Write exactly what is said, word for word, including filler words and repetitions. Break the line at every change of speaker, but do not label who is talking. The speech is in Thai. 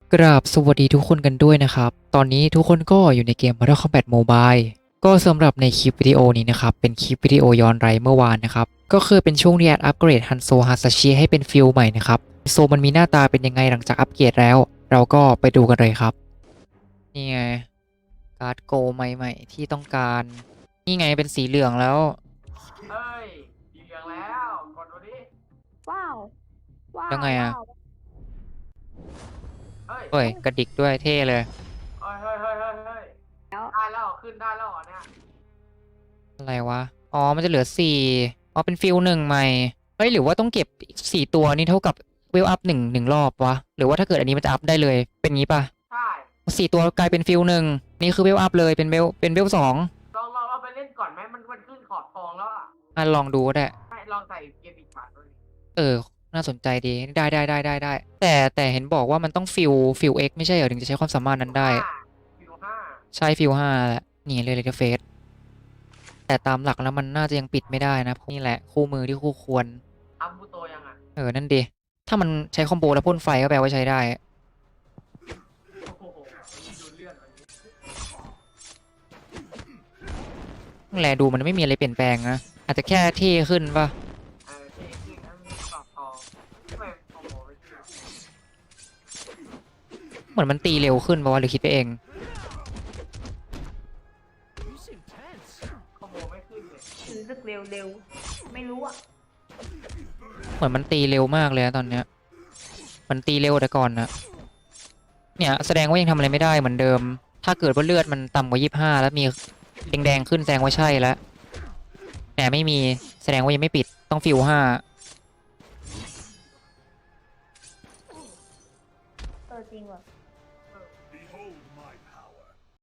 กราบสวัสดีทุกคนกันด้วยนะครับ ตอนนี้ทุกคนก็อยู่ในเกม Mortal Kombat Mobile ก็สำหรับในคลิปวิดีโอนี้นะครับ เป็นคลิปวิดีโอย้อนไลฟ์เมื่อวานนะครับ ก็คือเป็นช่วงที่แอดอัปเกรดฮันโซฮาซาชิให้เป็นฟิลใหม่นะครับ โซมันมีหน้าตาเป็นยังไงหลังจากอัปเกรดแล้ว เราก็ไปดูกันเลยครับ นี่ไง การ์ดโกใหม่ๆที่ต้องการ นี่ไงเป็นสีเหลืองแล้ว
เฮ้ยสีเหลืองแล้วกดดูดิ
ว้าว ว้าว
แล้วไงอะ
ว้าว
เฮ้ย
เฮ้ยกระดิกด้วยเท่เลย
เฮ้ยเฮ้ยเฮ้ยเฮ้ยเฮ้ย
แล้ว
ได้แล้วขึ้นได้แล้วเหรอเนี่ย
อะไรวะ อ๋อ มันจะเหลือสี่อ๋อ เป็นฟิลหนึ่งใหม่ เฮ้ย หรือว่าต้องเก็บสี่ตัวนี่เท่ากับเวลอัพหนึ่งหนึ่งรอบวะ หรือว่าถ้าเกิดอันนี้มันจะอัพได้เลย เป็นงี้ปะ
ใช่
สี่ตัวกลายเป็นฟิลหนึ่งนี่คือเวลอัพเลย เป็นเวลเป็นเวลสอง
ลองลองเราไปเล่นก่อนไหมมันมันขึ้นขอบทองแล้วอ่ะ
อ่ะลองดูก็ได้
ให้ลองใส่เกมอีกบาทดูดิ
เออ น่าสนใจดี ได้ได้ได้ได้ได้ แต่แต่เห็นบอกว่ามันต้องฟิลฟิลเอ็กไม่ใช่เหรอ ถึงจะใช้ความสามารถนั้นได้
ห้าฟิวห้า
ใช่ฟิลห้าแหละ นี่เลยเลยเฟส แต่ตามหลักแล้วมันน่าจะยังปิดไม่ได้นะเพราะนี่แหละคู่มือที่คู่ควร
อัพบูโตยังอ่ะ
เออ นั่นดิ ถ้ามันใช้คอมโบแล้วพ่นไฟก็แปลว่าใช้ได้
โอ้โหดูเลือดมันดิ
แลดูมันไม่มีอะไรเปลี่ยนแปลงนะ อาจจะแค่เท่ขึ้นป่ะ
เออเท่ขึ้นแล้วมีขอบทองทำไมโอ้โหไม่ขึ้น
เหมือนมันตีเร็วขึ้นป่ะวะหรือคิดไปเอง
คอมโบไม่ขึ้นเลย
รู้สึกเร็วเร็ว ไม่รู้อ่ะ
เหมือนมันตีเร็วมากเลยนะตอนเนี้ย มันตีเร็วแต่ก่อนนะเนี่ยแสดงว่ายังทำอะไรไม่ได้เหมือนเดิม ถ้าเกิดว่าเลือดมันต่ำกว่ายี่สิบห้าแล้วมีแดงๆขึ้นแสดงว่าใช่แล้ว แต่ไม่มีแสดงว่ายังไม่ปิดต้องฟิวห้า
เออจริงว่ะ